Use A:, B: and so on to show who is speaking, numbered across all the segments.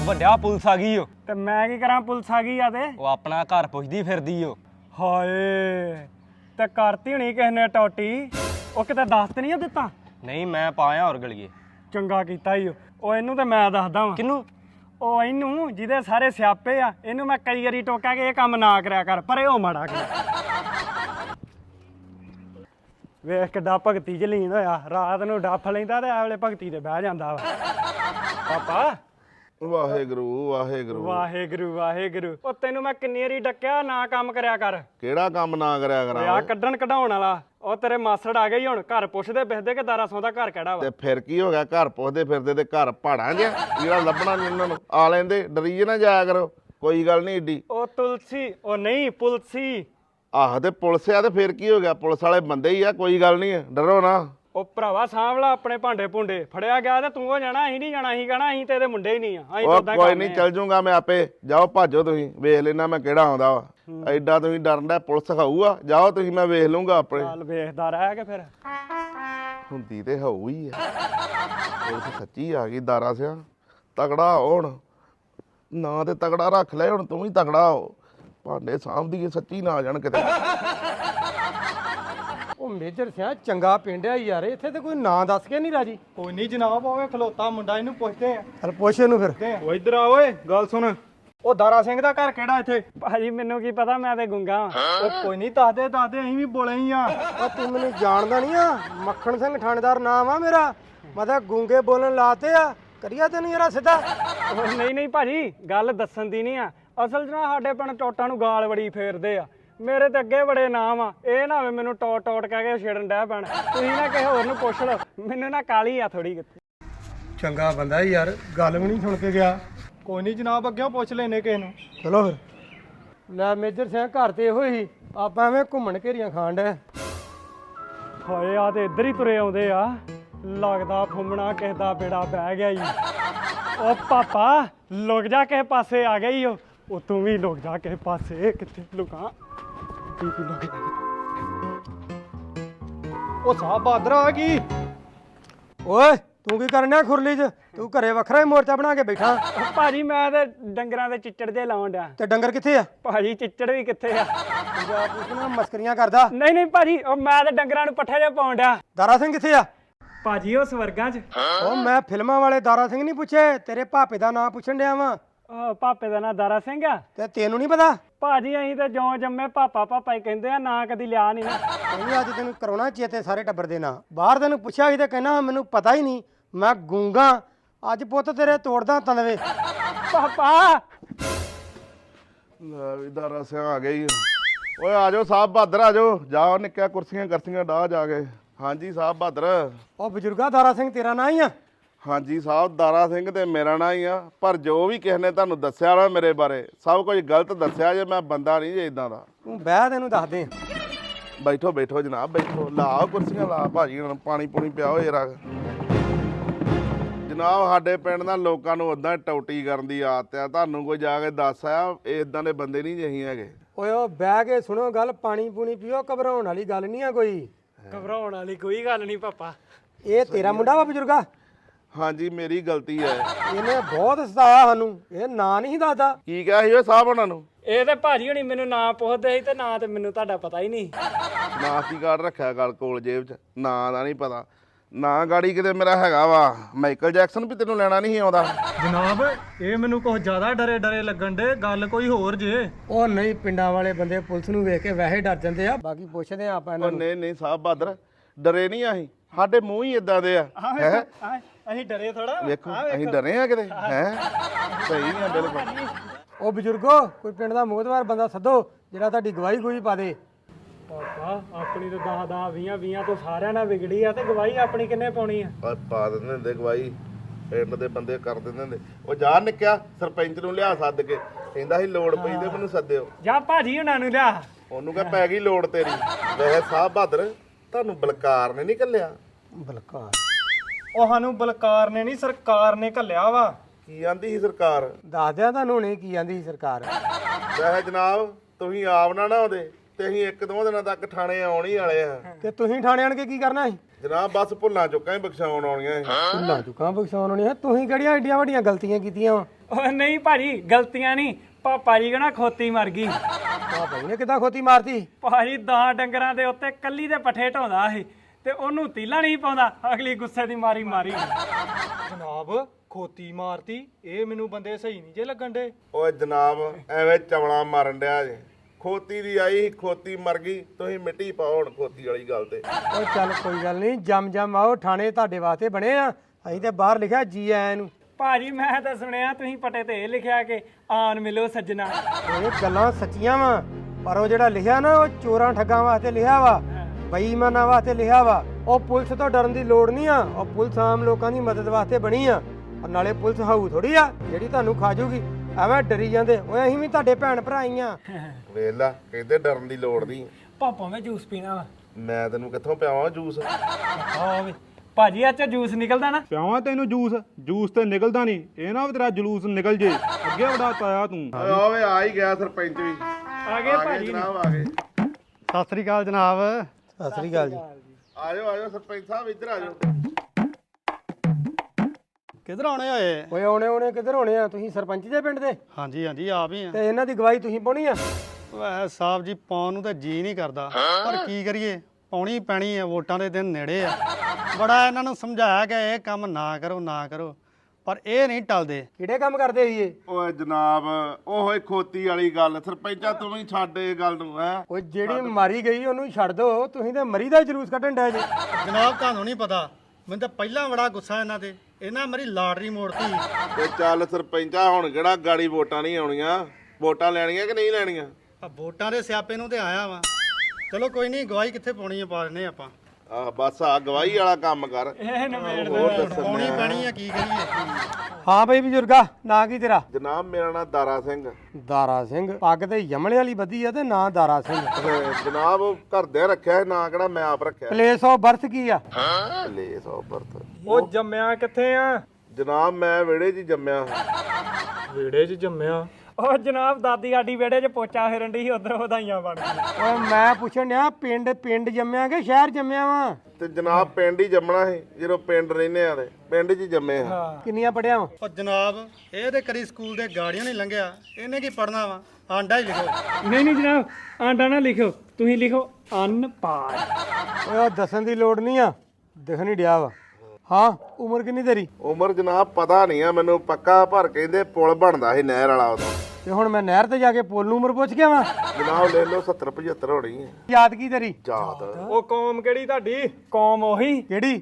A: ਵੱਡਿਆ ਪੁਲਿਸ ਆ ਗਈ ਓ।
B: ਤੇ ਮੈਂ ਕੀ ਕਰਾਂ, ਪੁਲਿਸ ਆ ਗਈ ਆ ਤੇ
A: ਉਹ ਆਪਣਾ ਘਰ ਪੁੱਛਦੀ ਫਿਰਦੀ ਓ।
B: ਹਾਏ ਤੇ ਕਰਤੀ ਹੋਣੀ ਕਿਸੇ ਨੇ ਟੋਟੀ। ਉਹ ਕਿਤੇ ਦੱਸ ਤੇ ਨਹੀਂ ਦਿੱਤਾ?
A: ਨਹੀਂ ਮੈਂ ਪਾਇਆ ਹੋਰ ਗਲੀਏ।
B: ਚੰਗਾ ਕੀਤਾ ਈ ਉਹ ਇਹਨੂੰ ਤੇ ਮੈਂ ਦੱਸਦਾ ਵਾਂ।
A: ਕਿਹਨੂੰ?
B: ਉਹ ਇਹਨੂੰ ਜਿਹਦੇ ਸਾਰੇ ਸਿਆਪੇ ਆ, ਇਹਨੂੰ ਮੈਂ ਕਈ ਵਾਰੀ ਟੋਕਿਆ ਕਿ ਇਹ ਕੰਮ ਨਾ ਕਰਿਆ ਕਰ, ਪਰ ਇਹ ਉਹ ਮਾੜਾ ਕਰ। ਵੇਖ ਕਿੱਡਾ ਭਗਤੀ ਚ ਲੀਨ ਹੋਇਆ, ਰਾਤ ਨੂੰ ਡੱਫ ਲੈਂਦਾ ਤੇ ਐ ਵੇਲੇ ਭਗਤੀ ਤੇ ਬਹਿ ਜਾਂਦਾ ਵਾ। ਪਾਪਾ
C: ਵਾਹਿਗੁਰੂ ਵਾਹਿਗੁਰੂ
B: ਵਾਹਿਗੁਰੂ ਵਾਹਿਗੁਰੂ। ਉਹ ਤੈਨੂੰ ਮੈਂ ਕਿੰਨੀ ਵਾਰੀ ਡੱਕਿਆ ਨਾ ਕੰਮ ਕਰਿਆ ਕਰ।
C: ਕਿਹੜਾ ਕੰਮ ਨਾ ਕਰਿਆ ਕਰਾਂ?
B: ਆ ਕੱਢਣ ਕਢਾਉਣ ਵਾਲਾ। ਉਹ ਤੇਰੇ ਮਾਸੜ ਆ ਗਏ ਹੁਣ, ਘਰ ਪੁੱਛਦੇ ਬਿਸਦੇ ਕਿ ਦਾਰਾ ਸੌਦਾ ਘਰ ਕਿਹੜਾ ਵਾ।
C: ਤੇ ਫਿਰ ਕੀ ਹੋ ਗਿਆ? ਘਰ ਪੁੱਛਦੇ ਫਿਰਦੇ ਤੇ ਘਰ ਪਹਾੜਾਂ 'ਚ ਜਿਹੜਾ ਲੱਭਣਾ ਨੀ ਉਹਨਾਂ ਨੂੰ। ਆ ਲੈਂਦੇ, ਡਰੀਏ ਨਾ ਜਾਇਆ ਕਰੋ, ਕੋਈ ਗੱਲ ਨਹੀਂ ਏਡੀ।
B: ਉਹ ਤੁਲਸੀ, ਉਹ ਨਹੀਂ ਪੁਲਸੀ।
C: ਆਹ ਤੇ ਪੁਲਿਸ ਆ ਤੇ ਫਿਰ ਕੀ ਹੋ ਗਿਆ? ਪੁਲਿਸ ਵਾਲੇ ਬੰਦੇ ਹੀ ਆ, ਕੋਈ ਗੱਲ ਨਹੀਂ, ਡਰੋ ਨਾ।
B: ਉਹ ਭਰਾਵਾ ਸਾਂਭਲਾ ਆਪਣੇ ਭਾਂਡੇ ਭੁੰਡੇ। ਫੜਿਆ ਗਿਆ ਤੇ ਤੂੰ ਹੋ ਜਾਣਾ, ਅਸੀਂ ਨਹੀਂ ਜਾਣਾ। ਅਸੀਂ ਕਹਿਣਾ ਅਸੀਂ ਤੇ ਇਹਦੇ ਮੁੰਡੇ ਹੀ ਨਹੀਂ ਆ। ਅਸੀਂ ਤਾਂ
C: ਉਹ
B: ਉਦਾਂ
C: ਕੋਈ ਨਹੀਂ, ਚੱਲ ਜੂਗਾ ਮੈਂ ਆਪੇ। ਜਾਓ ਭਾਜੋ, ਤੁਸੀਂ ਵੇਖ ਲੈਣਾ ਮੈਂ ਕਿਹੜਾ ਆਉਂਦਾ ਵਾ। ਐਡਾ ਤੁਸੀਂ ਡਰਦਾ, ਪੁਲਿਸ ਖਾਊਗਾ। ਜਾਓ ਤੁਸੀਂ, ਮੈਂ ਵੇਖ ਲੂੰਗਾ ਆਪਣੇ।
B: ਚੱਲ ਵੇਖਦਾ ਰਹਿ ਕੇ ਫਿਰ।
C: ਹੁੰਦੀ ਤੇ ਹੋਊ ਹੀ ਆ। ਪੁਲਿਸ ਸੱਚੀ ਆ ਗਈ ਦਾਰਾ ਸਿਆ। ਤਗੜਾ ਹੋਣ ਨਾ ਤੇ ਤਗੜਾ ਰੱਖ ਲੈ, ਹੁਣ ਤੂੰ ਵੀ ਤਗੜਾ ਹੋ। ਭਾਂਡੇ ਸਾਂਭਦੀ ਸੱਚੀ ਨਾ ਆ ਜਾਣ ਕਿਤੇ।
D: ਉਹ ਮੇਜਰ ਸਿਆ ਚੰਗਾ ਪਿੰਡ ਆ ਯਾਰ, ਇੱਥੇ ਤੇ ਕੋਈ ਨਾਂ ਦੱਸ ਕੇ ਨਹੀਂ ਰਾਜੀ।
B: ਕੋਈ ਨਹੀਂ ਜਨਾਬ, ਹੋਵੇ ਖਲੋਤਾ ਮੁੰਡਾ, ਇਹਨੂੰ ਪੁੱਛਦੇ ਆ।
D: ਚਲ ਪੁੱਛ ਇਹਨੂੰ ਫਿਰ।
B: ਉਹ ਇੱਧਰ ਆ ਓਏ, ਗੱਲ ਸੁਣ। ਉਹ ਦਾਰਾ ਸਿੰਘ ਦਾ ਘਰ ਕਿਹੜਾ ਇੱਥੇ? ਭਾਜੀ ਮੈਨੂੰ ਕੀ ਪਤਾ, ਮੈਂ ਤੇ ਗੁੰਗਾ ਵਾਂ। ਉਹ ਕੋਈ ਨਹੀਂ, ਦੱਸਦੇ ਅਸੀਂ ਵੀ ਬੋਲੇ ਹੀ ਆ।
D: ਉਹ ਤੂੰ ਮੈਨੂੰ ਜਾਣਦਾ ਨਹੀਂ ਆ? ਮੱਖਣ ਸਿੰਘ ਥਾਣੇਦਾਰ ਨਾਮ ਆ ਮੇਰਾ। ਮੈਂ ਤਾਂ ਗੂੰਗੇ ਬੋਲਣ ਲਾਤੇ ਆ, ਕਰੀਆ ਤੈਨੂੰ ਯਾਰਾ ਸਿੱਧਾ।
B: ਉਹ ਨਹੀਂ ਭਾਜੀ, ਗੱਲ ਦੱਸਣ ਦੀ ਨਹੀਂ ਆ। ਅਸਲ 'ਚ ਨਾ ਸਾਡੇ ਪਿੰਡ ਟੋਟਾਂ ਨੂੰ ਗਾਲ ਬੜੀ ਫੇਰਦੇ ਆ। ਮੇਰੇ ਤੇ ਅੱਗੇ ਬੜੇ ਨਾਮ ਆ, ਇਹ ਨਾ ਹੋਵੇ ਮੈਨੂੰ ਟੋਟ ਕਹਿ ਕੇ ਛੇੜਨ ਡੈ ਪੈਣ। ਤੁਸੀਂ ਨਾ ਕਿਸੇ ਹੋਰ ਨੂੰ ਪੁੱਛ ਲਓ, ਮੈਨੂੰ ਨਾ ਕਾਲੀ ਆ ਥੋੜੀ ਕਿਤੇ।
D: ਚੰਗਾ ਬੰਦਾ ਯਾਰ, ਗੱਲ ਵੀ ਨਹੀਂ ਸੁਣ ਕੇ ਗਿਆ।
B: ਕੋਈ ਨਹੀਂ ਜਨਾਬ, ਅੱਗੇ ਪੁੱਛ ਲੈਨੇ ਕਿਸੇ ਨੂੰ।
D: ਚਲੋ ਫਿਰ। ਲੈ ਮੇਜਰ ਸਿਆ ਘਰ ਤੇ ਇਹੋ ਹੀ, ਆਪਾਂ ਐਵੇਂ ਘੁੰਮਣ ਘੇਰੀਆਂ ਖਾਣ ਡਏ।
B: ਹਾਏ ਆ ਤੇ ਇੱਧਰ ਹੀ ਤੁਰੇ ਆਉਂਦੇ ਆ। ਲੱਗਦਾ ਫੁੰਮਣਾ ਕਿਸੇ ਦਾ ਬੇੜਾ ਬਹਿ ਗਿਆ ਈ। ਉਹ ਪਾਪਾ ਲੁਕ ਜਾ, ਕਿਸੇ ਪਾਸੇ ਆ ਗਈ ਉਹ ਤੂੰ ਵੀ ਲੁਕ ਜਾ ਕਿਸੇ ਪਾਸੇ। ਕਿੱਥੇ ਲੁਕਾਂ? ਲੁਕ ਜਾ। ਉਹ ਸਾਹ ਬਾਦਰ ਆ ਗਈ।
D: ਓਏ ਤੂੰ ਕੀ ਕਰਨਿਆ ਖੁਰਲੀ 'ਚ? ਤੂੰ ਘਰੇ ਵੱਖਰਾ ਹੀ ਮੋਰਚਾ ਬਣਾ ਕੇ ਬੈਠਾ।
B: ਭਾਜੀ ਮੈਂ ਤੇ ਡੰਗਰਾਂ ਦੇ ਚਿੱਚੜ ਜੇ ਲਾਉਣ ਡਿਆ।
D: ਤੇ ਡੰਗਰ ਕਿੱਥੇ ਆ?
B: ਭਾਜੀ ਚਿੱਚੜ ਵੀ ਕਿੱਥੇ ਆ?
D: ਪੰਜਾਬ ਪੁਲਿਸ ਨਾਲ ਮਸਕਰੀਆਂ ਕਰਦਾ।
B: ਨਹੀਂ ਭਾਜੀ, ਉਹ ਮੈਂ ਤੇ ਡੰਗਰਾਂ ਨੂੰ ਪੱਠੇ ਜੇ ਪਾਉਣ ਡਿਆ।
D: ਦਾਰਾ ਸਿੰਘ ਕਿੱਥੇ ਆ?
B: ਭਾਜੀ ਉਹ ਸਵਰਗਾਂ 'ਚ।
D: ਉਹ ਮੈਂ ਫਿਲਮਾਂ ਵਾਲੇ ਦਾਰਾ ਸਿੰਘ ਨਹੀਂ ਪੁੱਛੇ, ਤੇਰੇ ਭਾਪੇ ਦਾ ਨਾਂ ਪੁੱਛਣ ਡਿਆ ਵਾਂ।
B: ਪਾਪੇ ਦਾ ਨਾਂ ਦਾਰਾ ਸਿੰਘ ਆ।
D: ਤੇ ਤੈਨੂੰ ਨਹੀਂ ਪਤਾ?
B: ਭਾਜੀ ਅਸੀਂ ਤੇ ਜਿਉਂ ਜੰਮੇ ਪਾਪਾ ਹੀ ਕਹਿੰਦੇ ਆ, ਨਾਂ ਕਦੀ ਲਿਆ ਨਹੀਂ ਨਾ।
D: ਕਹਿੰਦੀ ਅੱਜ ਤੈਨੂੰ ਕਰਾਉਣਾ ਚੇਤੇ ਸਾਰੇ ਟੱਬਰ ਦੇ ਨਾਂ। ਬਾਹਰ ਤੈਨੂੰ ਪੁੱਛਿਆ ਸੀ ਤੇ ਕਹਿਣਾ ਮੈਨੂੰ ਪਤਾ ਹੀ ਨਹੀਂ, ਮੈਂ ਗੂੰਗਾ। ਅੱਜ ਪੁੱਤ ਤੇਰੇ ਤੋੜਦਾ ਤਨਵੇ।
B: ਪਾਪਾ
C: ਲੈ ਵੀ ਦਾਰਾ ਸਿਆ ਆ ਗਈ। ਓਏ ਆ ਜਾਓ ਸਾਹਿਬ ਬਹਾਦਰ, ਆ ਜਾਓ। ਜਾਓ ਨਿੱਕਿਆ ਕੁਰਸੀਆਂ ਕਰਸੀਆਂ ਡਾਹ ਜਾ ਕੇ। ਹਾਂਜੀ ਸਾਹਿਬ ਬਹਾਦਰ।
D: ਉਹ ਬਜ਼ੁਰਗਾ ਦਾਰਾ ਸਿੰਘ ਤੇਰਾ ਨਾਂ ਹੀ ਆ?
C: ਹਾਂਜੀ ਸਾਹਿਬ, ਦਾਰਾ ਸਿੰਘ ਤੇ ਮੇਰਾ ਨਾਂ ਹੀ ਆ। ਪਰ ਜੋ ਵੀ ਕਿਸੇ ਨੇ ਤੁਹਾਨੂੰ ਦੱਸਿਆ ਨਾ ਮੇਰੇ ਬਾਰੇ, ਸਭ ਕੁਝ ਗਲਤ ਦੱਸਿਆ ਜੇ। ਮੈਂ ਬੰਦਾ ਨਹੀਂ ਜੇ ਇਦਾਂ ਦਾ।
D: ਤੂੰ ਬਹਿ, ਤੈਨੂੰ ਦੱਸਦੇ ਆ।
C: ਬੈਠੋ ਬੈਠੋ ਜਨਾਬ, ਬੈਠੋ। ਲਾਓ ਕੁਰਸੀਆਂ, ਲਾ ਭਾਜੀ ਹੁਣ ਪਾਣੀ ਪੂਣੀ ਪਿਆਓ ਜਰਾ। ਜਨਾਬ ਸਾਡੇ ਪਿੰਡ ਦਾ ਲੋਕਾਂ ਨੂੰ ਉਦਾਂ ਟੌਟੀ ਕਰਨ ਦੀ ਆਦਤ ਆ। ਤੁਹਾਨੂੰ ਕੋਈ ਜਾ ਕੇ ਦੱਸ ਆਇਆ, ਇਦਾਂ ਦੇ ਬੰਦੇ ਨਹੀਂ ਜਿਹੀ ਹੈਗੇ।
D: ਓਏ ਉਹ ਬਹਿ ਕੇ ਸੁਣੋ ਗੱਲ, ਪਾਣੀ ਪੂਣੀ ਪੀਓ, ਘਬਰਾਉਣ ਵਾਲੀ ਗੱਲ ਨਹੀਂ ਆ ਕੋਈ।
B: ਘਬਰਾਉਣ ਵਾਲੀ ਕੋਈ ਗੱਲ ਨਹੀਂ ਪਾਪਾ।
D: ਇਹ ਤੇਰਾ ਮੁੰਡਾ ਵਾ ਬਜ਼ੁਰਗਾ?
C: ਹਾਂਜੀ ਮੇਰੀ ਗਲਤੀ ਹੈ।
D: ਇਹਨੇ ਬਹੁਤ ਸਤਾਇਆ ਸਾਨੂੰ, ਇਹ ਨਾਂ ਨਹੀਂ ਦੱਸਦਾ।
C: ਕੀ ਕਿਹਾ ਸੀ ਓਏ ਸਾਹਿਬ ਉਹਨਾਂ ਨੂੰ?
B: ਇਹ ਤੇ ਭਾਜੀ ਹੁਣੀ ਮੈਨੂੰ ਨਾਂ ਪੁੱਛਦੇ ਸੀ ਤੇ ਨਾਂ ਤੇ ਮੈਨੂੰ ਤੁਹਾਡਾ ਪਤਾ ਹੀ ਨਹੀਂ।
C: ਨਾਸਤੀ ਕਾਰਡ ਰੱਖਿਆ ਗੱਲ ਕੋਲ ਜੇਬ 'ਚ, ਨਾਂ ਦਾ ਨਹੀਂ ਪਤਾ। ਨਾਂ ਗਾੜੀ ਕਿਤੇ ਮੇਰਾ ਹੈਗਾ ਵਾ ਮਾਈਕਲ ਜੈਕਸਨ, ਵੀ ਤੈਨੂੰ ਲੈਣਾ ਨਹੀਂ ਆਉਂਦਾ।
B: ਜਨਾਬ ਇਹ ਮੈਨੂੰ ਕੁਝ ਜ਼ਿਆਦਾ ਡਰੇ ਲੱਗਣ ਦੇ, ਗੱਲ ਕੋਈ ਹੋਰ ਜੇ।
D: ਉਹ ਨਹੀਂ, ਪਿੰਡਾਂ ਵਾਲੇ ਬੰਦੇ ਪੁਲਿਸ ਨੂੰ ਵੇਖ ਕੇ ਵੈਸੇ ਡਰ ਜਾਂਦੇ ਆ। ਬਾਕੀ ਪੁੱਛਦੇ ਆ ਆਪਾਂ ਇਹਨਾਂ ਨੂੰ।
C: ਨਹੀਂ ਸਾਹਿਬ ਬਹਾਦਰ, ਡਰੇ ਨਹੀਂ ਅਸੀਂ। ਸਾਡੇ ਮੂੰਹ ਹੀ ਇਦਾਂ ਦੇ ਆ। ਹੈ
B: ਅਸੀਂ ਡਰੇ ਥੋੜਾ।
C: ਵੇਖੋ ਅਸੀਂ ਡਰੇ ਆ ਕਿਤੇ? ਹੈ ਸਹੀ ਆ ਬਿਲਕੁਲ।
D: ਉਹ ਬਜ਼ੁਰਗੋ ਕੋਈ ਪਿੰਡ ਦਾ ਮੋਹਤਵਾਰ ਬੰਦਾ ਸੱਦੋ ਜਿਹੜਾ ਤੁਹਾਡੀ ਗਵਾਹੀ ਗੋਈ ਪਾ ਦੇ।
B: ਪਾਪਾ ਆਪਣੀ ਤਾਂ 10 20 ਤੋਂ ਸਾਰਿਆਂ ਨਾਲ ਵਿਗੜੀ ਆ, ਤੇ ਗਵਾਹੀ ਆਪਣੀ ਕਿੰਨੇ ਪਾਉਣੀ ਆ?
C: ਪਾ ਦਿੰਦੇ ਹੁੰਦੇ ਗਵਾਹੀ, ਪਿੰਡ ਦੇ ਬੰਦੇ ਕਰ ਦਿੰਦੇ ਹੁੰਦੇ। ਉਹ ਜਾ ਨਿੱਕਿਆ ਸਰਪੰਚ ਨੂੰ ਲਿਆ ਸੱਦ ਕੇ, ਕਹਿੰਦਾ ਸੀ ਲੋੜ ਪਈ ਤੇ ਮੈਨੂੰ ਸੱਦਿਓ।
B: ਜਾ ਭਾਜੀ ਉਹਨਾਂ ਨੂੰ ਲਿਆ।
C: ਉਹਨੂੰ ਕਹ ਪੈ ਗਈ ਲੋੜ ਤੇਰੀ। ਵੈਸੇ ਸਾਹਿਬ ਬਹਾਦਰ ਤੁਹਾਨੂੰ ਬਲਕਾਰ ਨੇ ਨਹੀਂ ਘੱਲਿਆ?
D: ਬਲਕਾਰ?
B: ਉਹ ਸਾਨੂੰ ਬਲਕਾਰ ਨੇ ਨਹੀਂ, ਸਰਕਾਰ ਨੇ ਘੱਲਿਆ ਵਾ।
C: ਕੀ ਆਂਦੀ ਸੀ ਸਰਕਾਰ?
D: ਦੱਸ ਦਿਆਂ ਤੁਹਾਨੂੰ ਹੁਣੇ ਕੀ ਆਂਦੀ ਸੀ ਸਰਕਾਰ।
C: ਵੈਸੇ ਜਨਾਬ ਤੁਸੀਂ ਆਪ ਨਾ ਆਉਂਦੇ, ਤੇ ਅਸੀਂ ਇੱਕ ਦੋ ਦਿਨਾਂ ਤੱਕ ਥਾਣੇ ਆਉਣ ਹੀ ਵਾਲੇ ਆ।
D: ਤੇ ਤੁਸੀਂ ਥਾਣੇ ਆਣ ਕੇ ਕੀ ਕਰਨਾ ਸੀ?
C: ਜਨਾਬ ਬਸ ਭੁੱਲਾਂ ਚੁੱਕਾਂ ਹੀ ਬਖਸ਼ਾਉਣ ਆਉਣੀਆਂ ਸੀ।
D: ਭੁੱਲਾਂ ਚੁੱਕਾਂ ਬਖਸ਼ਾਉਣ ਹੋਣੀ ਹੈ। ਤੁਸੀਂ ਕਿਹੜੀਆਂ ਏਡੀਆਂ ਵੱਡੀਆਂ ਗਲਤੀਆਂ ਕੀਤੀਆਂ ਵਾ?
B: ਓ ਨਹੀਂ ਭਾਜੀ, ਗਲਤੀਆਂ ਨਹੀਂ, ਪਾਪਾ ਜੀ ਕਹਣਾ ਖੋਤੀ ਮਰ ਗਈ।
D: ਪਾਪਾ ਜੀ ਨੇ ਕਿੱਦਾਂ ਖੋਤੀ ਮਾਰਤੀ?
B: ਭਾਜੀ 10 ਡੰਗਰਾਂ ਦੇ ਉੱਤੇ ਕੱਲੀ ਦੇ ਪੱਠੇ ਢਾਉਂਦਾ ਸੀ ਤੇ ਉਹਨੂੰ ਤੀਲਾ ਨਹੀਂ ਪਾਉਂਦਾ, ਅਗਲੀ ਗੁੱਸੇ ਦੀ ਮਾਰੀ
E: ਜਨਾਬ ਖੋਤੀ ਮਾਰਤੀ, ਇਹ ਮੈਨੂੰ ਬੰਦੇ ਸਹੀ ਨਹੀਂ ਜੇ ਲੱਗਣ ਦੇ।
C: ਓਏ ਜਨਾਬ ਐਵੇਂ ਚਵਲਾ ਮਾਰਨ ਡਿਆ ਜੇ। ਖੋਤੀ ਦੀ ਆਈ ਸੀ, ਖੋਤੀ ਮਰ ਗਈ, ਤੁਸੀਂ ਮਿੱਟੀ ਪਾਓ ਹੁਣ ਖੋਤੀ ਵਾਲੀ ਗੱਲ ਤੇ।
D: ਓ ਚੱਲ ਕੋਈ ਗੱਲ ਨਹੀਂ, ਜਮ ਆਓ, ਥਾਣੇ ਤੁਹਾਡੇ ਵਾਸਤੇ ਬਣੇ ਆ। ਅਸੀਂ ਤੇ ਬਾਹਰ ਲਿਖਿਆ ਜੀ ਆਇਆਂ ਨੂੰ।
B: ਭਾਜੀ ਮੈਂ ਤਾਂ ਸੁਣਿਆ ਤੁਸੀਂ ਪੱਟੇ ਤੇ ਇਹ ਲਿਖਿਆ ਕਿ ਆਨ ਮਿਲੋ ਸੱਜਣਾ।
D: ਇਹ ਗੱਲਾਂ ਸੱਚੀਆਂ ਵਾ, ਪਰ ਉਹ ਜਿਹੜਾ ਲਿਖਿਆ ਨਾ ਉਹ ਚੋਰਾਂ ਠੱਗਾਂ ਵਾਸਤੇ ਲਿਖਿਆ ਵਾ, ਬੇਈਮਾਨਾਂ ਵਾਸਤੇ ਲਿਖਿਆ ਵਾ। ਉਹ ਪੁਲਿਸ ਤੋਂ ਡਰਨ ਦੀ ਲੋੜ ਨਹੀਂ ਆ, ਉਹ ਪੁਲਿਸ ਆਮ ਲੋਕਾਂ ਦੀ ਮਦਦ ਵਾਸਤੇ ਬਣੀ ਆ। ਔਰ ਨਾਲੇ ਪੁਲਿਸ ਹਾਊ ਥੋੜੀ ਆ ਜਿਹੜੀ ਤੁਹਾਨੂੰ ਖਾ ਜੂਗੀ। ਐਵੇਂ ਡਰੀ ਜਾਂਦੇ, ਓਏ ਅਸੀਂ ਵੀ ਤੁਹਾਡੇ ਭੈਣ ਭਰਾ ਹੀ ਆ।
C: ਵੇਖ ਲਾ, ਕਹਿੰਦੇ ਡਰਨ ਦੀ ਲੋੜ ਨਹੀਂ।
B: ਪਾਪਾ ਮੈਂ ਜੂਸ ਪੀਣਾ ਵਾ।
C: ਮੈਂ ਤੈਨੂੰ ਕਿੱਥੋਂ ਪਿਆਵਾਂ ਜੂਸ?
B: ਆਵੇ ਭਾਜੀ ਅੱਜ ਜੂਸ ਨਿਕਲਦਾ ਨਾ।
E: ਪਿਆਵਾਂ ਤੈਨੂੰ ਜੂਸ ਤੇ ਨਿਕਲਦਾ ਨਹੀਂ, ਇਹ ਨਾ ਵੀ ਤੇਰਾ ਜਲੂਸ ਨਿਕਲ ਜੇ। ਅੱਗੇ ਵੜਾ ਤਾਇਆ ਤੂੰ।
C: ਓਏ ਆ ਹੀ ਗਿਆ ਸਰਪੰਚ ਵੀ।
B: ਆ ਗਏ ਭਾਜੀ।
C: ਜਨਾਬ ਆ ਗਏ।
E: ਸਤਿ ਸ੍ਰੀ ਅਕਾਲ ਜਨਾਬ।
D: ਸਤਿ ਸ੍ਰੀ ਅਕਾਲ ਜੀ।
C: ਆਜੋ ਸਰਪੰਚ ਸਾਹਿਬ ਇੱਧਰ ਆਜੋ।
E: ਕਿੱਧਰ ਆਉਣੇ ਹੋਏ?
D: ਓਏ ਆਉਣੇ ਕਿੱਧਰ ਹੋਣੇ ਆ? ਤੁਸੀਂ ਸਰਪੰਚ ਦੇ ਪਿੰਡ ਦੇ?
E: ਹਾਂਜੀ ਆਪ ਹੀ ਆ।
D: ਤੇ ਇਹਨਾਂ ਦੀ ਗਵਾਹੀ ਤੁਸੀਂ ਪਾਉਣੀ ਆ?
E: ਵੈਸੇ ਸਾਹਿਬ ਜੀ ਪਾਉਣ ਨੂੰ ਤਾਂ ਜੀ ਨਹੀਂ ਕਰਦਾ, ਪਰ ਕੀ ਕਰੀਏ, ਪਾਉਣੀ ਪੈਣੀ ਆ। ਵੋਟਾਂ ਦੇ ਦਿਨ ਨੇੜੇ ਆ। ਬੜਾ ਇਹਨਾਂ ਨੂੰ ਸਮਝਾਇਆ ਕਿ ਇਹ ਕੰਮ ਨਾ ਕਰੋ, ਪਰ ਇਹ ਨਹੀਂ ਟਲਦੇ।
D: ਕਿਹੜੇ ਕੰਮ ਕਰਦੇ ਸੀ ਇਹ?
C: ਓਏ ਜਨਾਬ ਓਏ ਖੋਤੀ ਵਾਲੀ ਗੱਲ। ਸਰਪੰਚਾ ਤੂੰ ਵੀ ਛੱਡ ਇਹ ਗੱਲ ਨੂੰ। ਹੈ
D: ਓਏ ਜਿਹੜੀ ਮਾਰੀ ਗਈ ਉਹਨੂੰ ਛੱਡ ਦੋ, ਤੁਸੀਂ ਤੇ ਮਰੀ ਦਾ ਜਲੂਸ ਕੱਢਣ ਡਏ ਜੇ।
E: ਜਨਾਬ ਤੁਹਾਨੂੰ ਨਹੀਂ ਪਤਾ, ਮੈਨੂੰ ਤਾਂ ਪਹਿਲਾਂ ਬੜਾ ਗੁੱਸਾ ਇਹਨਾਂ ਤੇ। ਇਹਨਾਂ ਮੇਰੀ ਲਾਟਰੀ ਮੋੜਤੀ।
C: ਤੇ ਚੱਲ ਸਰਪੰਚਾ ਹੁਣ ਕਿਹੜਾ ਗਾੜੀ ਵੋਟਾਂ ਨਹੀਂ ਆਉਣੀਆਂ? ਵੋਟਾਂ ਲੈਣੀਆਂ ਕਿ ਨਹੀਂ ਲੈਣੀਆਂ?
E: ਆ ਵੋਟਾਂ ਦੇ ਸਿਆਪੇ ਨੂੰ ਤੇ ਆਇਆ ਵਾ। ਚਲੋ ਕੋਈ ਨਹੀਂ, ਗਵਾਹੀ ਕਿੱਥੇ ਪਾਉਣੀ ਆ, ਪਾ ਦਿੰਦੇ ਆਪਾਂ।
C: ਆ ਬਸ ਆ ਗਵਾਹੀ ਵਾਲਾ ਕੰਮ ਕਰ। ਹੋਰ ਦੱਸਣ
E: ਪਾਉਣੀ ਪੈਣੀ ਆ, ਕੀ ਕਰੀਏ।
D: ਹਾਂ ਬਈ ਬਜ਼ੁਰਗਾ, ਨਾਂ ਕੀ ਤੇਰਾ?
C: ਜਨਾਬ ਮੇਰਾ ਨਾਮ ਦਾਰਾ ਸਿੰਘ।
D: ਦਾਰਾ ਸਿੰਘ? ਪੱਗ ਤੇ ਯਮਲੇ ਵਾਲੀ ਬੱਧੀ ਆ ਤੇ ਨਾਂ ਦਾਰਾ ਸਿੰਘ।
C: ਜਨਾਬ ਉਹ ਘਰਦਿਆਂ ਰੱਖਿਆ ਹੈ, ਨਾਂ ਕਿਹੜਾ ਮੈਂ ਆਪ ਰੱਖਿਆ।
D: ਪਲੇਸ ਆਫ ਬਰਥ ਕੀ ਆ?
C: ਪਲੇਸ ਆਫ ਬਰਥ
B: ਉਹ ਜੰਮਿਆ ਕਿੱਥੇ ਆ?
C: ਜਨਾਬ ਮੈਂ ਵਿਹੜੇ 'ਚ ਹੀ ਜੰਮਿਆ।
B: ਵਿਹੜੇ 'ਚ ਜੰਮਿਆ? ਉਹ ਜਨਾਬ ਦਾਦੀ ਸਾਡੀ ਵਿਹੜੇ 'ਚ ਪੋਚਾ ਫੇਰਨ ਦੀ ਸੀ, ਉਧਰ ਵਧਾਈਆਂ ਬਣ ਗਈਆਂ।
D: ਓਏ ਮੈਂ ਪੁੱਛਣ ਡਿਆ, ਪਿੰਡ ਜੰਮਿਆ ਕਿ ਸ਼ਹਿਰ ਜੰਮਿਆ ਵਾ?
C: ਤੇ ਜਨਾਬ ਪਿੰਡ ਹੀ ਜੰਮਣਾ ਸੀ, ਜਦੋਂ ਪਿੰਡ ਰਹਿੰਦੇ ਆ ਤੇ ਪਿੰਡ 'ਚ ਹੀ ਜੰਮੇ ਆ।
D: ਕਿੰਨੀਆਂ ਪੜਿਆ ਵਾ?
E: ਉਹ ਜਨਾਬ ਇਹ ਤੇ ਕਰੀ ਸਕੂਲ ਦੇ ਗਾੜੀਆਂ ਨਹੀਂ ਲੰਘਿਆ, ਇਹਨੇ ਕੀ ਪੜਨਾ ਵਾ? ਆਂਡਾ ਹੀ ਲਿਖੋ।
B: ਨਹੀਂ ਜਨਾਬ, ਆਂਡਾ ਨਾ ਲਿਖੋ, ਤੁਸੀਂ ਲਿਖੋ ਅਨਪਾੜ।
D: ਓਏ ਉਹ ਦੱਸਣ ਦੀ ਲੋੜ ਨਹੀਂ ਆ, ਦਿਖ ਨਹੀਂ ਡਿਆ ਵਾ। ਹਾਂ, ਉਮਰ ਕਿੰਨੀ ਤੇਰੀ?
C: ਉਮਰ ਜਨਾਬ ਪਤਾ ਨਹੀਂ ਆ ਮੈਨੂੰ ਪੱਕਾ, ਪਰ ਕਹਿੰਦੇ ਪੁਲ ਬਣਦਾ ਸੀ ਨਹਿਰ ਵਾਲਾ ਉਦੋਂ।
D: ਤੇ ਹੁਣ ਮੈਂ ਨਹਿਰ ਤੇ ਜਾ ਕੇ ਪੁੱਲ ਨੂੰ ਉਮਰ ਪੁੱਛ ਗਿਆ ਵਾ?
C: ਜਨਾਬ ਲੈ ਲਓ 70 75 ਹੋਣੀ ਹੈ।
D: ਯਾਦ ਕੀ ਤੇਰੀ?
C: ਯਾਦ
B: ਉਹ ਕੌਮ ਕਿਹੜੀ ਤੁਹਾਡੀ? ਕੌਮ ਉਹੀ
D: ਕਿਹੜੀ?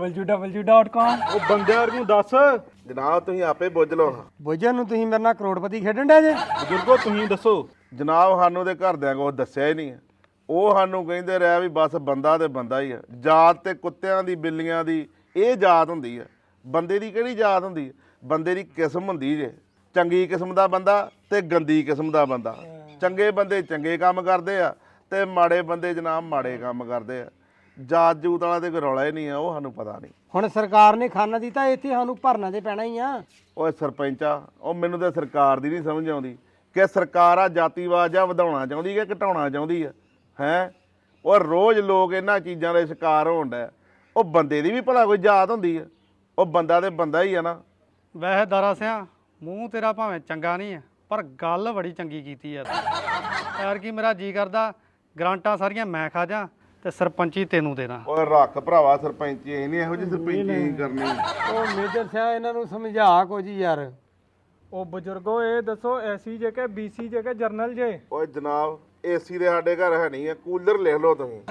B: www.com।
E: ਉਹ ਬੰਦਿਆਂ ਨੂੰ ਦੱਸ।
C: ਜਨਾਬ ਤੁਸੀਂ ਆਪੇ ਬੁੱਝ ਲਓ।
D: ਬੁੱਝਣ ਨੂੰ ਤੁਸੀਂ ਮੇਰੇ ਨਾਲ ਕਰੋੜਪਤੀ ਖੇਡਣ ਡਿਆ ਜੇ?
E: ਬਜ਼ੁਰਗੋ ਤੁਸੀਂ ਦੱਸੋ।
C: ਜਨਾਬ ਸਾਨੂੰ ਦੇ ਘਰਦਿਆਂ ਕੋਲ ਦੱਸਿਆ ਹੀ ਨਹੀਂ। ਉਹ ਸਾਨੂੰ ਕਹਿੰਦੇ ਰਿਹਾ ਵੀ ਬਸ ਬੰਦਾ ਤੇ ਬੰਦਾ ਹੀ ਆ। ਜਾਤ ਤੇ ਕੁੱਤਿਆਂ ਦੀ ਬਿੱਲੀਆਂ ਦੀ ਇਹ ਜਾਤ ਹੁੰਦੀ ਆ। ਬੰਦੇ ਦੀ ਕਿਹੜੀ ਜਾਤ ਹੁੰਦੀ ਆ? ਬੰਦੇ ਦੀ ਕਿਸਮ ਹੁੰਦੀ ਜੇ। ਚੰਗੀ ਕਿਸਮ ਦਾ ਬੰਦਾ ਤੇ ਗੰਦੀ ਕਿਸਮ ਦਾ ਬੰਦਾ। ਚੰਗੇ ਬੰਦੇ ਚੰਗੇ ਕੰਮ ਕਰਦੇ ਆ ਤੇ ਮਾੜੇ ਬੰਦੇ ਜਨਾਬ ਮਾੜੇ ਕੰਮ ਕਰਦੇ ਆ। ਜਾਤ ਜੂਤ ਵਾਲਾ ਤੇ ਕੋਈ ਰੌਲਾ ਹੀ ਨਹੀਂ ਆ, ਉਹ ਸਾਨੂੰ ਪਤਾ ਨਹੀਂ।
D: ਹੁਣ ਸਰਕਾਰ ਨੇ ਖਾਨਾ ਦਿੱਤਾ, ਇੱਥੇ ਸਾਨੂੰ ਭਰਨਾ ਤੇ ਪੈਣਾ ਹੀ ਆ।
C: ਓਏ ਸਰਪੰਚਾ, ਉਹ ਮੈਨੂੰ ਤਾਂ ਸਰਕਾਰ ਦੀ ਨਹੀਂ ਸਮਝ ਆਉਂਦੀ ਕਿ ਸਰਕਾਰ ਆ ਜਾਤੀਵਾਦ ਜਾਂ ਵਧਾਉਣਾ ਚਾਹੁੰਦੀ ਕਿ ਘਟਾਉਣਾ ਚਾਹੁੰਦੀ ਆ। ਹੈ ਉਹ ਰੋਜ਼ ਲੋਕ ਇਹਨਾਂ ਚੀਜ਼ਾਂ ਦੇ ਸ਼ਿਕਾਰ ਹੋਣ ਡਿਆ। ਉਹ ਬੰਦੇ ਦੀ ਵੀ ਭਲਾ ਕੋਈ ਜਾਤ ਹੁੰਦੀ ਆ? ਉਹ ਬੰਦਾ ਤੇ ਬੰਦਾ ਹੀ ਆ ਨਾ।
E: ਵੈਸੇ ਦਾਰਾ ਸਿਆ ਮੂੰਹ ਤੇਰਾ ਭਾਵੇਂ ਚੰਗਾ ਨਹੀਂ ਹੈ, ਪਰ ਗੱਲ ਬੜੀ ਚੰਗੀ ਕੀਤੀ ਆ। ਯਾਰ ਕੀ ਮੇਰਾ ਜੀ ਕਰਦਾ ਗਰਾਂਟਾਂ ਸਾਰੀਆਂ ਮੈਂ ਖਾ ਜਾ ਤੇ ਸਰਪੰਚੀ ਤੈਨੂੰ ਦੇਣਾ।
C: ਓਏ ਰੱਖ ਭਰਾਵਾ ਸਰਪੰਚੀ, ਇਹ ਨਹੀਂ ਇਹੋ ਜਿਹੀ ਸਰਪੰਚੀ ਕਰਨੀ।
D: ਉਹ ਮੇਜਰ ਸਿਆ ਇਹਨਾਂ ਨੂੰ ਸਮਝਾ ਕੁਝ ਯਾਰ।
B: ਉਹ ਬਜ਼ੁਰਗੋ ਇਹ ਦੱਸੋ ਐਸੀ ਜੇ ਕਿ ਬੀਸੀ ਜੇ ਕਿ ਜਰਨਲ ਜੇ?
C: ਓਏ ਜਨਾਬ ਏਸੀ ਦੇ ਸਾਡੇ ਘਰ ਹੈ ਨਹੀਂ ਆ, ਕੂਲਰ ਲਿਖ ਲਓ ਤੁਸੀਂ।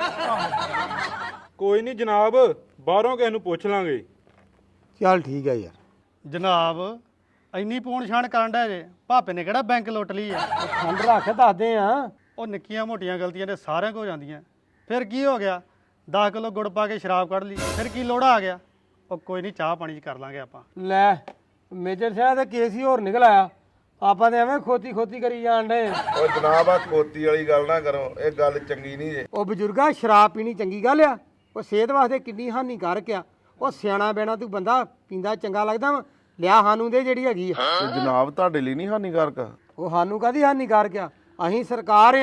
E: ਕੋਈ ਨਹੀਂ ਜਨਾਬ, ਬਾਹਰੋਂ ਕਿਸੇ ਨੂੰ ਪੁੱਛ ਲਾਂਗੇ।
D: ਚੱਲ ਠੀਕ ਆ ਯਾਰ।
E: ਜਨਾਬ ਇੰਨੀ ਪੂਣ ਛਾਣ ਕਰਨ ਦਾ ਜੇ, ਭਾਪੇ ਨੇ ਕਿਹੜਾ ਬੈਂਕ ਲੁੱਟ ਲਈ ਆ?
D: ਠੰਡ ਰੱਖ, ਦੱਸਦੇ ਆ।
E: ਉਹ ਨਿੱਕੀਆਂ ਮੋਟੀਆਂ ਗਲਤੀਆਂ ਤੇ ਸਾਰਿਆਂ ਕੋਲ ਜਾਂਦੀਆਂ। ਫਿਰ ਕੀ ਹੋ ਗਿਆ? 10 ਕਿਲੋ ਗੁੜ ਪਾ ਕੇ ਸ਼ਰਾਬ ਕੱਢ ਲਈ, ਫਿਰ ਕੀ ਲੋੜਾ ਆ ਗਿਆ? ਉਹ ਕੋਈ ਨਹੀਂ, ਚਾਹ ਪਾਣੀ 'ਚ ਕਰ ਲਾਂਗੇ ਆਪਾਂ।
D: ਲੈ ਮੇਜਰ ਸਿਆ ਦਾ ਕੇਸ ਹੀ ਹੋਰ ਨਿਕਲ ਆਇਆ। ਆਪਾਂ ਤੇ ਐਵੇਂ ਖੋਤੀ ਕਰੀ ਜਾਣ ਡੇ।
C: ਓਏ ਜਨਾਬ ਆ ਖੋਤੀ ਵਾਲੀ ਗੱਲ ਨਾ ਕਰੋ, ਇਹ ਗੱਲ ਚੰਗੀ ਨਹੀਂ ਜੇ।
D: ਉਹ ਬਜ਼ੁਰਗਾ, ਸ਼ਰਾਬ ਪੀਣੀ ਚੰਗੀ ਗੱਲ ਆ? ਉਹ ਸਿਹਤ ਵਾਸਤੇ ਕਿੰਨੀ ਹਾਨੀਕਾਰਕ ਆ। ਉਹ ਸਿਆਣਾ ਬੈਣਾ ਤੂੰ ਬੰਦਾ ਪੀਂਦਾ ਚੰਗਾ ਲੱਗਦਾ ਵਾ? ਲਿਆ ਸਾਨੂੰ ਦੇ ਜਿਹੜੀ ਹੈਗੀ ਆ।
C: ਤੇ ਜਨਾਬ ਤੁਹਾਡੇ ਲਈ ਨਹੀਂ ਹਾਨੀਕਾਰਕ?
D: ਉਹ ਸਾਨੂੰ ਕਾਹਦੀ ਹਾਨੀਕਾਰਕ ਆ? ਅਸੀਂ ਸਰਕਾਰ ਆ,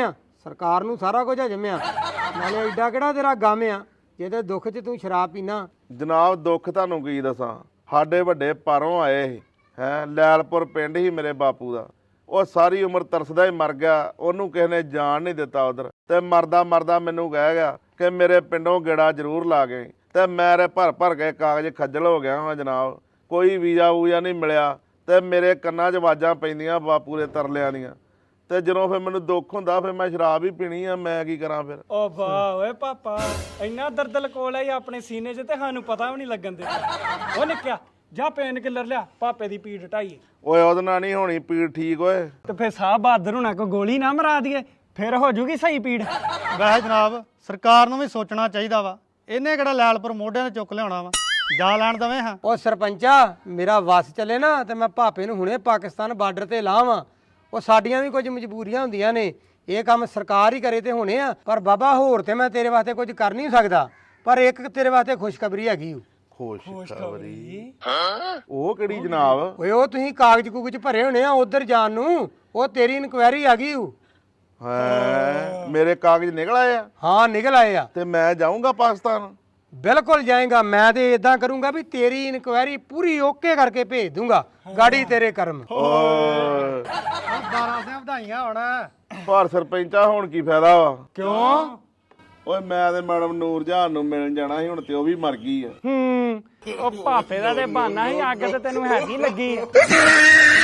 D: ਸਰਕਾਰ ਨੂੰ ਸਾਰਾ ਕੁਝ ਹਜਮਿਆ ਨਾਲੇ ਐਡਾ ਕਿਹੜਾ ਤੇਰਾ ਗਮ ਆ ਜਿਹਦੇ ਦੁੱਖ 'ਚ ਤੂੰ ਸ਼ਰਾਬ ਪੀਣਾ।
C: ਜਨਾਬ ਦੁੱਖ ਤੁਹਾਨੂੰ ਕੀ ਦੱਸਾਂ, ਸਾਡੇ ਵੱਡੇ ਪਰੋਂ ਆਏ ਸੀ ਲੈਲਪੁਰ ਪਿੰਡ ਹੀ ਮੇਰੇ ਬਾਪੂ ਦਾ। ਉਹ ਸਾਰੀ ਉਮਰ ਤਰਸਦਾ ਹੀ ਮਰ ਗਿਆ, ਉਹਨੂੰ ਕਿਸੇ ਨੇ ਜਾਣ ਨਹੀਂ ਦਿੱਤਾ ਉਧਰ, ਤੇ ਮਰਦਾ ਮਰਦਾ ਮੈਨੂੰ ਕਹਿ ਗਿਆ ਕਿ ਮੇਰੇ ਪਿੰਡੋਂ ਗੇੜਾ ਜ਼ਰੂਰ ਲਾ ਗਏ। ਤੇ ਮੇਰੇ ਭਰ ਕੇ ਕਾਗਜ਼ ਖੱਜਲ ਹੋ ਗਿਆ ਹਾਂ ਜਨਾਬ, ਕੋਈ ਵੀਜ਼ਾ ਵੂਜ਼ਾ ਨਹੀਂ ਮਿਲਿਆ ਤੇ ਮੇਰੇ ਕੰਨਾਂ 'ਚ ਆਵਾਜ਼ਾਂ ਪੈਂਦੀਆਂ ਬਾਪੂ ਦੇ ਤਰਲਿਆਂ ਦੀਆਂ। ਤੇ ਜਦੋਂ ਫਿਰ ਮੈਨੂੰ ਦੁੱਖ ਹੁੰਦਾ ਫਿਰ ਮੈਂ ਸ਼ਰਾਬ ਹੀ ਪੀਣੀ ਆ, ਮੈਂ ਕੀ ਕਰਾਂ ਫਿਰ।
B: ਓ ਵਾਹ ਓਏ ਪਾਪਾ, ਇੰਨਾ ਦਰਦ ਲਕੋਲ ਹੈ ਆਪਣੇ ਸੀਨੇ 'ਚ ਤੇ ਸਾਨੂੰ ਪਤਾ ਵੀ ਨਹੀਂ ਲੱਗਣ ਦਿੱਤਾ। ਉਹ ਨਿੱਕਿਆ ਜਾ ਪੇਨ ਕਿਲਰ ਲਿਆ, ਪਾਪੇ ਦੀ ਪੀੜ ਢਾਈਏ।
C: ਓਏ ਉਹਦੇ ਨਾਲ ਨਹੀਂ ਹੋਣੀ ਪੀੜ ਠੀਕ ਓਏ।
B: ਤੇ ਫਿਰ ਸਾਹ ਬਹਾਦਰ ਹੋਣਾ ਕੋ ਗੋਲੀ ਨਾ ਮਰਾ ਦਈਏ, ਫਿਰ ਹੋ ਜੂਗੀ ਸਹੀ ਪੀੜ।
E: ਵੈਸੇ ਜਨਾਬ ਸਰਕਾਰ ਨੂੰ ਵੀ ਸੋਚਣਾ ਚਾਹੀਦਾ ਵਾ, ਇਹਨੇ ਕਿਹੜਾ ਲੈਲਪੁਰ ਮੋਢਿਆਂ ਤੇ ਚੁੱਕ ਲਿਆਉਣਾ ਵਾ, ਜਾ ਲੈਣ ਦਵੇਂ ਹਾਂ।
D: ਉਹ ਸਰਪੰਚਾ ਮੇਰਾ ਵਸ ਚੱਲੇ ਨਾ ਤੇ ਮੈਂ ਭਾਪੇ ਨੂੰ ਹੁਣੇ ਪਾਕਿਸਤਾਨ ਬਾਰਡਰ ਤੇ ਲਾਵਾਂ। ਉਹ ਸਾਡੀਆਂ ਵੀ ਕੁਝ ਮਜਬੂਰੀਆਂ ਹੁੰਦੀਆਂ ਨੇ, ਇਹ ਕੰਮ ਸਰਕਾਰ ਹੀ ਕਰੇ ਤੇ ਹੋਣੇ ਆ। ਪਰ ਬਾਬਾ ਹੋਰ ਤੇ ਮੈਂ ਤੇਰੇ ਵਾਸਤੇ ਕੁਝ ਕਰ ਨਹੀਂ ਸਕਦਾ, ਪਰ ਇੱਕ ਤੇਰੇ ਵਾਸਤੇ ਖੁਸ਼ਖਬਰੀ ਹੈਗੀ ਓ।
C: ਖੁਸ਼ਖਬਰੀ? ਉਹ ਕਿਹੜੀ ਜਨਾਬ?
D: ਓਏ ਉਹ ਤੁਸੀਂ ਕਾਗਜ਼ ਕੂਗਜ਼ ਭਰੇ ਹੋਣੇ ਆ ਉਧਰ ਜਾਣ ਨੂੰ, ਉਹ ਤੇਰੀ ਇਨਕੁਆਇਰੀ ਆ ਗਈ ਓ।
C: ਹੈ ਮੇਰੇ ਕਾਗਜ਼ ਨਿਕਲ ਆਏ ਆ?
D: ਹਾਂ ਨਿਕਲ ਆਏ ਆ।
C: ਤੇ ਮੈਂ ਜਾਊਂਗਾ ਪਾਕਿਸਤਾਨ?
D: ਬਿਲਕੁਲ ਜਾਏਗਾ। ਮੈਂ ਤੇ ਇਦਾਂ ਕਰੂੰਗਾ ਵੀ ਤੇਰੀ ਇਨਕੁਆਇਰੀ ਪੂਰੀ ਓਕੇ ਕਰਕੇ ਭੇਜ ਦੂੰਗਾ, ਗਾੜੀ ਤੇਰੇ ਕਰਮ।
C: ਓਏ
E: ਦਾਰਾ ਸਿੰਘ ਵਧਾਈਆਂ ਹੁਣ।
C: ਪਰ ਸਰਪੰਚਾ ਹੁਣ ਕੀ ਫਾਇਦਾ ਵਾ?
B: ਕਿਉਂ?
C: ਓਏ ਮੈਂ ਤੇ ਮੈਡਮ ਨੂਰਜਹਾਨ ਨੂੰ ਮਿਲਣ ਜਾਣਾ ਸੀ, ਹੁਣ ਤੇ ਉਹ ਵੀ ਮਰ ਗਈ ਆ।
B: ਉਹ ਭਾਪੇ ਦਾ ਤੇ ਬਹਾਨਾ ਹੀ, ਅੱਗ ਤੇ ਤੈਨੂੰ ਹੈਗੀ ਲੱਗੀ।